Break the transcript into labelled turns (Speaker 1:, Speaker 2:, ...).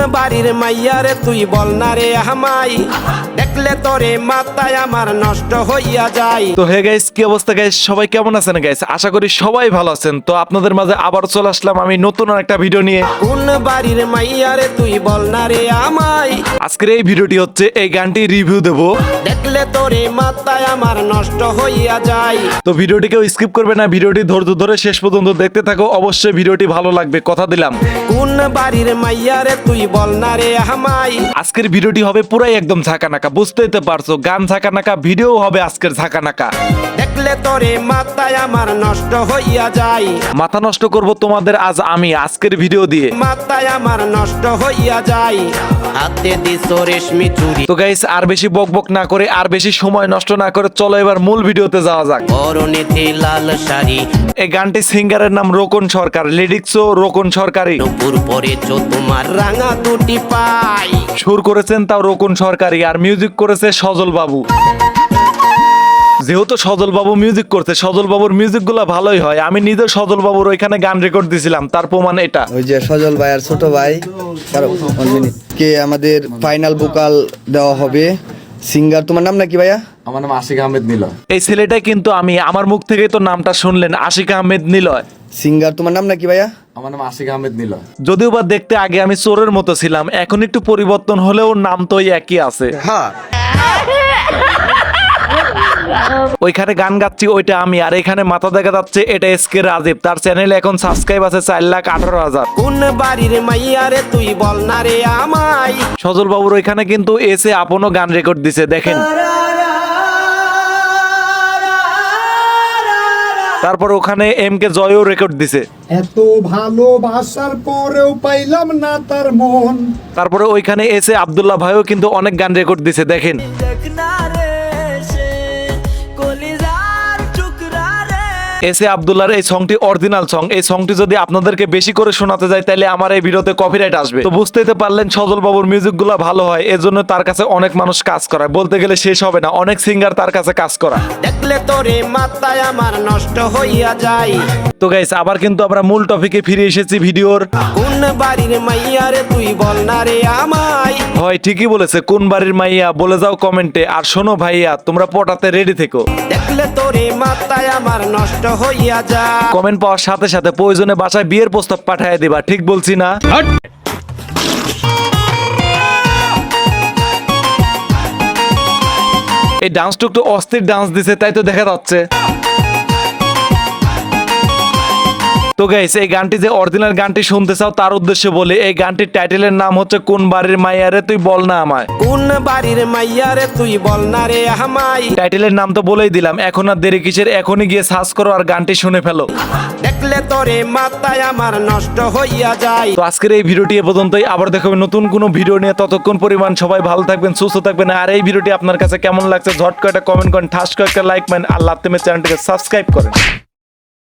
Speaker 1: বাড়ির মাইয়া রে তুই বল না রে আমাই, দেখলে তোরে মাথায় আমার নষ্ট হইয়া যায়।
Speaker 2: তো হে গাইস, কি অবস্থা গাইস? সবাই কেমন আছেন গাইস? আশা করি সবাই ভালো আছেন। তো আপনাদের মাঝে আবার চলে আসলাম আমি নতুন একটা ভিডিও নিয়ে।
Speaker 1: কোন বাড়ির মাইয়া রে তুই বল না রে আমাই,
Speaker 2: আজকের এই ভিডিওটি হচ্ছে এই গানটি রিভিউ দেব।
Speaker 1: দেখলে তোরে মাথায় আমার নষ্ট হইয়া যায়।
Speaker 2: তো ভিডিওটি কেউ স্কিপ করবে না, ভিডিওটি ধৈর্য ধরে শেষ পর্যন্ত দেখতে থাকো, অবশ্যই ভিডিওটি ভালো লাগবে, কথা দিলাম।
Speaker 1: কোন বাড়ির মাইয়া রে তুই বল না রে আমাই।
Speaker 2: আজকের ভিডিওটি হবে পুরাই একদম ঝাঁকানাকা, বুঝতেই তো পারছো, গান ঝাঁকানাকা, ভিডিও হবে আজকের ঝাঁকানাকা।
Speaker 1: দেখলে তোরে মাথায় আমার নষ্ট হইয়া যায়।
Speaker 2: মাথা নষ্ট করব তোমাদের আজ আমি আজকের ভিডিও দিয়ে।
Speaker 1: মাথায় আমার নষ্ট হইয়া যায়। হাতে দিছো রেশমি চুরি।
Speaker 2: তো গাইস, আর বেশি বকবক না করে, আর বেশি সময় নষ্ট না করে চলো এবার মূল ভিডিওতে যাওয়া যাক।
Speaker 1: পরনেতে লাল শাড়ি।
Speaker 2: এই গানটি সিঙ্গারের নাম রোকন সরকার, লিরিক্সও রোকন সরকারি,
Speaker 1: নুপুর পরেছো তোমার রাঙা দুটি পাই।
Speaker 2: সুর করেছেন তাও রোকন সরকারি, আর মিউজিক করেছে সজল বাবু। যেহেতু সজল বাবু মিউজিক করতে, সজল বাবুর মিউজিক গুলা ভালোই হয়। আমি নিজে সজল বাবুর ওইখানে গান রেকর্ড দিছিলাম, তার প্রমাণ এটা।
Speaker 3: ওই যে সজল ভাই আর ছোট ভাই কে আমাদের ফাইনাল ভোকাল দেওয়া হবে। সিঙ্গার তোমার নাম নাকি ভাইয়া?
Speaker 4: আমার নাম আশিক আহমেদ নিলয়।
Speaker 2: এই ছেলেটাই কিন্তু আমি, আমার মুখ থেকেই তো নামটা শুনলেন, আশিক আহমেদ নিলয়।
Speaker 3: সিঙ্গার তোমার নাম নাকি ভাইয়া?
Speaker 4: আমার নাম আশিক আহমেদ নিলয়।
Speaker 2: যদিও বা দেখতে আগে আমি চোরের মতো ছিলাম, এখন একটু পরিবর্তন হলেও নাম তো ওই একই আছে। ওইখানে গান গাচ্ছি ওইটা আমি, আর এখানে মাথা দেখা যাচ্ছে এটা এসকে রাজীব। তার চ্যানেলে এখন সাবস্ক্রাইব আছে 4,18,000।
Speaker 1: কোন বাড়ির মাইয়া রে তুই বল না রে আমাই।
Speaker 2: সজল বাবুর ওইখানে কিন্তু এসে আপনও গান রেকর্ড দিছে, দেখেন। তারপর ওখানে এম কে জয়ও রেকর্ড দিছে।
Speaker 5: এত ভালোবাসার পরেও পাইলাম না তার মন।
Speaker 2: তারপরে ওইখানে এসে আব্দুল্লাহ ভাইও কিন্তু অনেক গান রেকর্ড দিছে, দেখেন। এসে আব্দুল্লাহর এই সংটি অরিজিনাল সং। এই সংটি যদি আপনাদেরকে বেশি করে শোনাতে যায় তাহলে আমার এই ভিডিওতে কপিরাইট আসবে। তো বুঝতেই তো পারলেন সজল বাবুর মিউজিক গুলা ভালো হয়, এজন্য তার কাছে অনেক মানুষ কাজ করায়, বলতে গেলে শেষ হবে না, অনেক সিঙ্গার তার কাছে কাজ করা।
Speaker 1: দেখলে তোরে মাথায় আমার নষ্ট হইয়া যায়।
Speaker 2: তো গাইস, আবার কিন্তু আমরা মূল টপিকে ফিরে এসেছি ভিডিওর।
Speaker 1: কোন বাড়ির মাইয়া রে তুই বল না রে আমাই।
Speaker 2: হয় ঠিকই বলেছে, কোন বাড়ির মাইয়া বলে যাও কমেন্টে। আর শোনো ভাইয়া, তোমরা পটাতে রেডি থেকো।
Speaker 1: দেখলে তোরে মাথায় আমার নষ্ট হইয়া যায়।
Speaker 2: কমেন্ট পাওয়ার সাথে সাথে প্রয়োজনে বাসায় বিয়ের প্রস্তাব পাঠিয়ে দিবা, ঠিক বলছি না? এই ডান্সটা একটু অস্থির ডান্স দিছে, তাই তো দেখা যাচ্ছে। তো গাইস, এই গানটি যে অরিজিনাল গানটি শুনতে চাও তার উদ্দেশ্যে বলি, এই গানটির টাইটেলের নাম হচ্ছে কোন বাড়ির মাইয়া রে তুই বল না আমায়।
Speaker 1: কোন বাড়ির মাইয়া রে তুই বল না রে আমাই।
Speaker 2: টাইটেলের নাম তো বলেই দিলাম, এখন আর দেরি কিসের, এখনই গিয়ে সার্চ করো আর গানটি শুনে ফেলো।
Speaker 1: দেখলে তোরে মাথায় আমার নষ্ট হইয়া যায়।
Speaker 2: তো আজকের এই ভিডিওটি এ পর্যন্তই, আবার দেখাবে নতুন কোনো ভিডিও নিয়ে। ততক্ষণ পরিমাণ সবাই ভালো থাকবেন, সুস্থ থাকবেন। আর এই ভিডিওটি আপনার কাছে কেমন লাগছে ঝট করে একটা কমেন্ট করেন, ঠাস করে একটা লাইক মারেন, আর লাত্তে চ্যানেলটিকে সাবস্ক্রাইব করেন।